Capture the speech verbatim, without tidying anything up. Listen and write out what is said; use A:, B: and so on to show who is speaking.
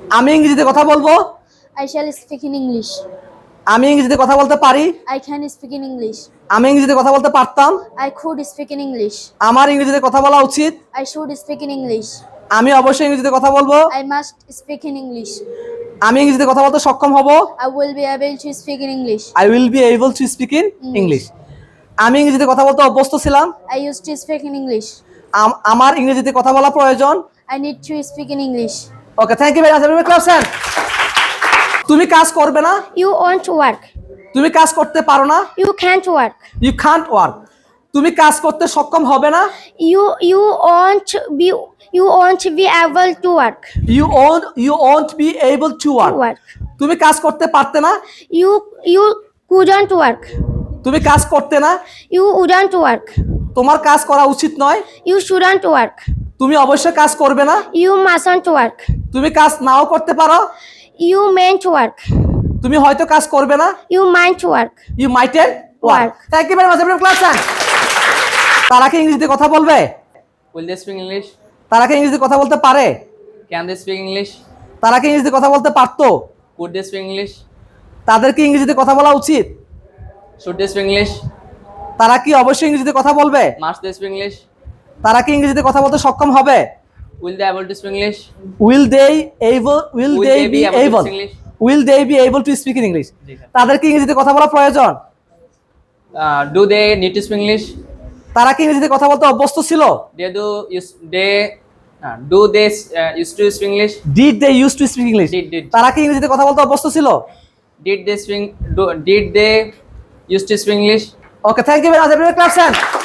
A: আমি ইংরেজিতে কথা বলবো।
B: I shall speak in English.
A: আমি ইংরেজিতে কথা বলতে পারি।
B: I can speak in English.
A: আমি ইংরেজিতে কথা বলতে পারতাম।
B: I could speak in English.
A: আমার ইংরেজিতে কথা বলা উচিত।
B: I should speak in English.
A: আমি অবশ্যই ইংরেজিতে কথা বলবো।
B: I must speak in English.
A: আমি ইংরেজিতে কথা বলতে সক্ষম হব।
B: I will be able to speak in English.
A: I will be able to speak in English. আমি ইংরেজিতে কথা বলতে অভ্যস্ত ছিলাম।
B: I used to speak in English.
A: আমার ইংরেজিতে কথা বলা প্রয়োজন।
B: I need to speak in English.
A: Okay, thank you very much everyone. Class ten. তুমি কাজ করবে না।
B: You won't work.
A: তুমি কাজ করতে পারো না।
B: You can't work.
A: You can't work. তুমি কাজ করতে সক্ষম হবে না।
B: You you won't be you won't be able to work.
A: You won't you won't be able to work.
B: work.
A: তুমি কাজ করতে পারতে না।
B: You you couldn't work.
A: তুমি কাজ করতে না।
B: You wouldn't work.
A: তোমার কাজ করা উচিত নয়।
B: You shouldn't work.
A: তুমি অবশ্যই কাজ করবে না।
B: You mustn't work.
A: তুমি কাজ নাও করতে পারো।
B: You mayn't work.
A: তুমি হয়তো কাজ করবে না।
B: You might work.
A: You mightn't work. Thank you very much everyone. Class ten. তারা কি ইংরেজিতে কথা বলবে?
C: Will they speak English?
A: তারা কি ইংরেজিতে কথা বলতে পারে?
C: Can they speak English?
A: তারা কি ইংরেজিতে কথা বলতে পারতো?
C: Could they speak English?
A: তাদের কি ইংরেজিতে কথা বলা উচিত?
C: Should they speak English?
A: তারা কি অবশ্যই ইংরেজিতে কথা বলবে?
C: Must they speak English?
A: তারা কি ইংরেজিতে কথা বলতে সক্ষম হবে?
C: Will they able to speak English?
A: Will they able will
C: Will
A: they
C: they
A: be
C: be able to
A: able
C: speak English?
A: will they be able to speak in English?
C: জি sir.
A: তাদের কি ইংরেজিতে কথা বলা প্রয়োজন?
C: Uh, do they need to speak English?
A: তারা কি ইংরেজিতে কথা বলতে অভ্যস্ত ছিল?
C: They do use they uh, do they uh, used to speak English?
A: Did they used to speak English?
C: Did did
A: তারা কি ইংরেজিতে কথা বলতে অভ্যস্ত ছিল?
C: did they speak do, did they used to speak English?
A: Okay, thank you very much everyone. Class ten.